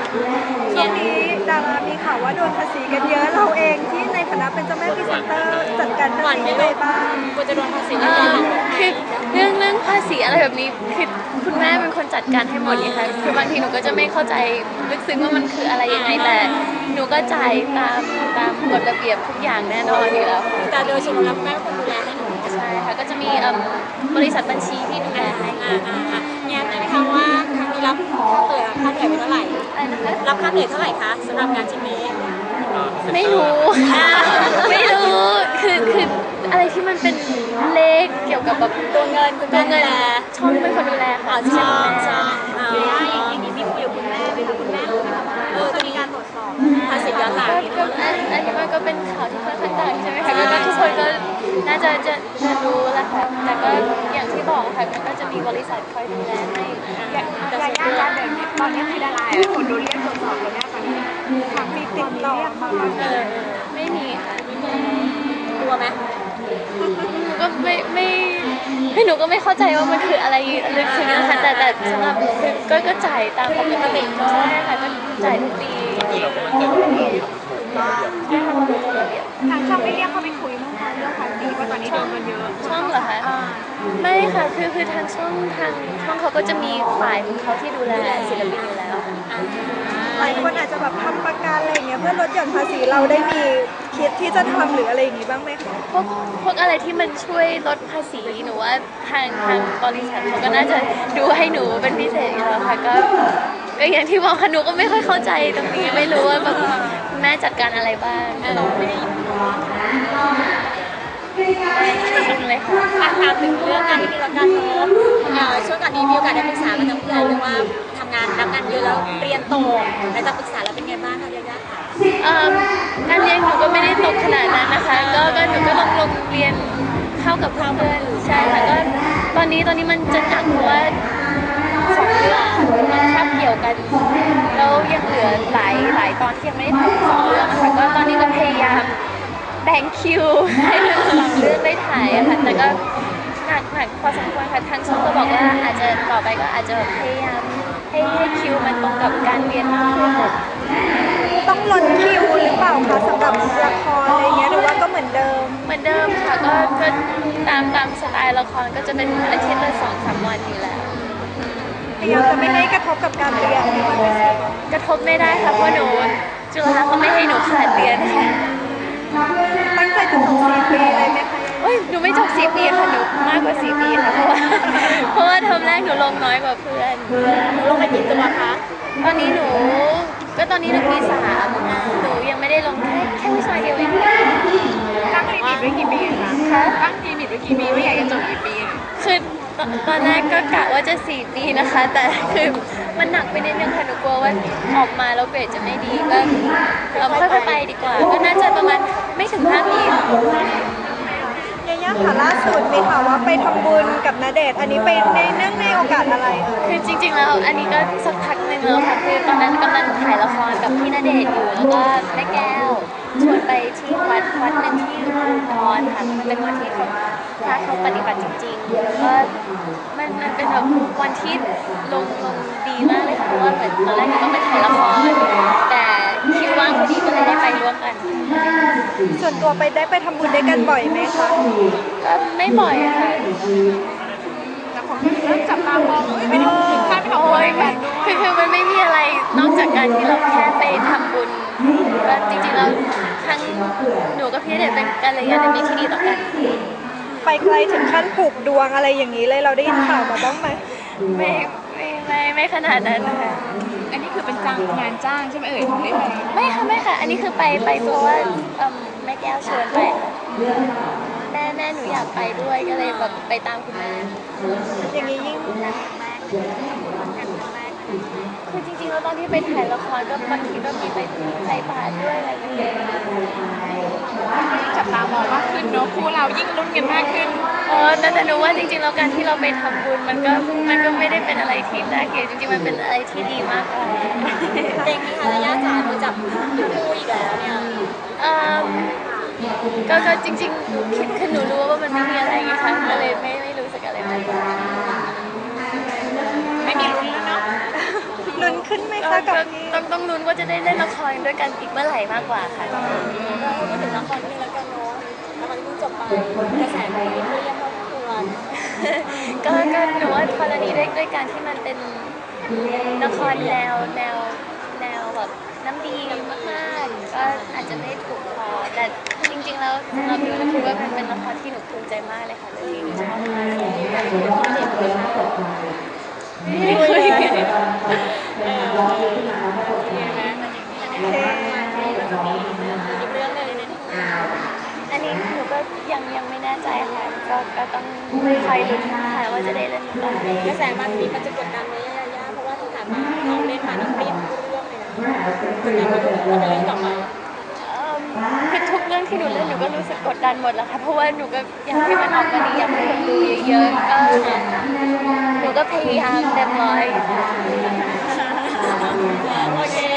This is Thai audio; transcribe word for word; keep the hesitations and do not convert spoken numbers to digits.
ช่วงนี้ดารามีข่าวว่าโดนภาษีกันเยอะเราเองที่ในฐานะเป็นเจ้าแม่พรีเซนเตอร์จัดการภาษียังไงบ้างกูจะโดนภาษีคือเรื่องเรื่องภาษีอะไรแบบนี้คือคุณแม่เป็นคนจัดการให้หมดเลยค่ะคือบางทีหนูก็จะไม่เข้าใจลึกซึ้งว่ามันคืออะไรยังไงแต่หนูก็จ่ายตามตามกฎระเบียบทุกอย่างแน่นอนอยู่แล้วแต่โดยส่วนแล้วแม่เป็นคนดูแลให้หนูใช่ค่ะก็จะมีบริษัทบัญชีที่ดูแลให้แย้มได้ไหมคะว่าครั้งนี้รับค่าเหนื่อยค่าเหนื่อยไปเท่าไหร่รับค่าเหนื่อยเท่าไหร่คะสำหรับงานชิ้นนี้ไม่รู้ไม่รู้คือคืออะไรที่มันเป็นเลขเกี่ยวกับแบบตัวเงินตัวเงินช่องเป็นคนดูแลค่ะใช่ใช่อย่างนี้มีคุยกับคุณแม่ไปดูคุณแม่เออจะมีการตรวจสอบภาษีย้อนหลังก็อันนี้มันก็เป็นข่าวที่ค่อนข้างดังใช่ไหมคะก็ทุกคนก็น่าจะจะจะรู้แหละค่ะแต่ก็อย่างที่บอกค่ะมันก็จะมีบริษัทคอยดูแลให้แต่ส่วนตัวตอนนี้คือดาราคนโดนเรียกตรวจสอบแล้วแม่ตอนนี้ทางมีติดต่อมาเออไม่มีค่ะกลัวไหมก็ไม่ไม่ให้หนูก็ไม่เข้าใจว่ามันคืออะไรลึกซึ้งนะคะแต่แต่สำหรับหนูคือก็ก็จ่ายตามปกติใช่ค่ะก็จ่ายทุกปีทางช่องไม่เรียกเขาไปคุยเรื่องเรื่องภาษีว่าตอนนี้โดนกันเยอะช่องเหรอคะไม่ค่ะคือคือทางช่องทางช่องเขาก็จะมีฝ่ายของเขาที่ดูแลศิลปินอยู่แล้วหลายคนอาจจะแบบทำประกันอะไรเงี้ยเพื่อลดหย่อนภาษีเราได้มีคิดที่จะทำหรืออะไรอย่างงี้บ้างไหมคะพวกพวกอะไรที่มันช่วยลดภาษีหนูว่าทางทางบริษัทเขาก็น่าจะดูให้หนูเป็นพิเศษอยู่แล้วค่ะก็ก็อย่างที่บอกค่ะหนูก็ไม่ค่อยเข้าใจตรงนี้ไม่รู้ว่าแบบแม่จัดการอะไรบ้างเราไม่ได้เลยค่ะถามถึงเรื่องงานที่มีละกันเนาะช่วงก่อนนี้มีโอกาสได้ปรึกษากับทางผู้ใหญ่เรื่องว่าทำงานรับงานเยอะแล้วเรียนโตแล้วจะปรึกษาแล้วเป็นไงบ้างคะยายาค่ะการเรียนหนูก็ไม่ได้ตกขนาดนั้นนะคะก็ก็หนูก็ลงลงเรียนเข้ากับเพื่อนใช่ค่ะก็ตอนนี้ตอนนี้มันจะหนักเพราะว่าสองเรื่องมันคาบเกี่ยวกันแล้วยังเหลือหลายหลายตอนที่ยังไม่ได้ถ่ายสองเรื่องนะคะก็ตอนนี้ก็พยายามแบ่งคิวให้ทั้งสองเรื่องได้ถ่ายอะค่ะแต่ก็หนักหนักพอสมควรค่ะทางช่องก็บอกว่าอาจจะต่อไปก็อาจจะพยายามให้ให้คิวมันตรงกับการเรียนมากขึ้นต้องลดคิวหรือเปล่าคะสำหรับละครอะไรเงี้ยหรือว่าก็เหมือนเดิมเหมือนเดิมค่ะก็ก็ตามตามสไตล์ละครก็จะเป็นอาทิตย์ละสองสามวันอยู่แล้วพยายามจะไม่ให้กระทบกับการเรียนกระทบไม่ได้ค่ะเพราะหนูจุฬาเขาไม่ให้หนูขาดเรียนค่ะตั้งใจจะจบสี่ปีเลยไหมคะเอ้ยหนูไม่จบสี่ปีค่ะหนูมากกว่าสี่ปีค่ะเพราะว่าเพราะว่าเทอมแรกหนูลงน้อยกว่าเพื่อนหนูลงไปกี่ตัวคะตอนนี้หนูก็ตอนนี้หนูปีสามหนูยังไม่ได้ลงแค่แค่วิชาเดียวเองตั้งลิมิตไว้กี่ปีคะตั้งลิมิตไว้กี่ปีว่าอยากจะจบกี่ปีคือตอนแรกก็กะว่าจะสี่ปีนะคะแต่คือมันหนักไปนิดนึงค่ะหนูกลัวว่าออกมาแล้วเกรดจะไม่ดีก็เราค่อยๆไปดีกว่าก็น่าจะประมาณไม่ถึงห้าปียายาค่ะล่าสุดมีข่าวว่าไปทำบุญกับณเดชน์อันนี้ไปในเนื่องในโอกาสอะไรคือจริงๆแล้วอันนี้ก็สักพักนึงแล้วค่ะคือตอนนั้นกำลังถ่ายละครกับพี่ณเดชน์อยู่แล้วก็แม่แก้วชวนไปที่วัดวัดหนึ่งที่อุดรค่ะมันเป็นวันที่เขาพระเขาปฏิบัติจริงๆแล้วก็มันมันเป็นแบบวันที่ลงลงดีมากเลยค่ะเพราะว่าเหมือนตอนแรกก็ไปถ่ายละครแต่คิวว่างพอดีก็เลยได้ไปร่วมกันส่วนตัวไปได้ไปทำบุญด้วยกันบ่อยไหมคะก็ไม่บ่อยค่ะแต่คนเริ่มจับตามองไม่ได้ถึงขั้นไปทำบุญกันคือคือมันไม่มีอะไรนอกจากการที่เราแค่ไปทำบุญก็จริงๆแล้วทั้งหนูกับพี่เด็กเป็นกัลยาณมิตรที่ดีต่อกันไปไกลถึงขั้นผูกดวงอะไรอย่างนี้เลยเราได้ยินข่าวมาบ้างไหมไม่ไม่ไม่ไม่ขนาดนั้นค่ะอันนี้คือเป็นจ้างงานจ้างใช่ไหมเอ่ยถึงได้ไปไม่ค่ะไม่ค่ะอันนี้คือไปไปเพราะว่าแม่แก้วชวนไปแม่แม่หนูอยากไปด้วยก็เลยแบบไปตามคุณแม่อย่างนี้ยิ่งคือจริงๆแล้วตอนที่ไปถ่ายละครก็บางทีก็มีไปใส่บาตรด้วยอะไรอย่างเงี้ยจับตามองมากขึ้นเนาะคู่เรายิ่งลุ้นกันมากขึ้นอ๋อแต่หนูว่าจริงๆแล้วการที่เราไปทำบุญมันก็มันก็ไม่ได้เป็นอะไรที่น่าเกลียดจริงๆมันเป็นอะไรที่ดีมากกว่าเด็กนี่ค่ะระยะจ๋าดูจับคู่อีกแล้วเนี่ยก็ก็จริงๆคิดคือหนูรู้ว่ามันไม่มีอะไรไงคะก็เลยไม่ไม่รู้สึกอะไรมากไม่มีลุ้นแล้วเนาะลุ้นขึ้นไหมก็คะกับก็นี้ต้องต้องลุ้นว่าจะได้เล่นละครด้วยกันอีกเมื่อไหร่มากกว่าค่ะเราพูดถึงละครนิดนึงแล้วกันเนาะละครที่เพิ่งจบไปกระแสดีเรียกว่าควรก็ก็หนูว่าพอตอนนี้ด้วยด้วยการที่มันเป็นละครแนวแนวแนวแบบน้ำดีมากๆก็อาจจะไม่ถูกพอแต่จริงๆแล้วสำหรับหนูหนูคิดว่ามันเป็นละครที่หนูภูมิใจมากเลยค่ะเรื่องนี้หนูชอบมากไม่คุยกันเออเห็นไหมมันอย่างนี้แหละอีกเรื่องเลยเนี่ยอันนี้หนูก็ยังยังไม่แน่ใจค่ะก็ก็ต้องคอยลุ้นค่ะว่าจะได้เล่นหรือเปล่ากระแสมันมีมันจะกดดันไหมยายาเพราะว่าที่ผ่านมาเราเล่นมานี่เปลี่ยนทุกเรื่องเลยนะกดดันมาทุกเราไปเล่นต่อไปเอิ่มคือทุกเรื่องที่หนูเล่นหนูก็รู้สึกกดดันหมดแหล้วค่ะเพราะว่าหนูก็อยากให้มันออกมาดีอยากให้คนดูเยอะๆก็หนูก็พยายามเต็มร้อยโอเค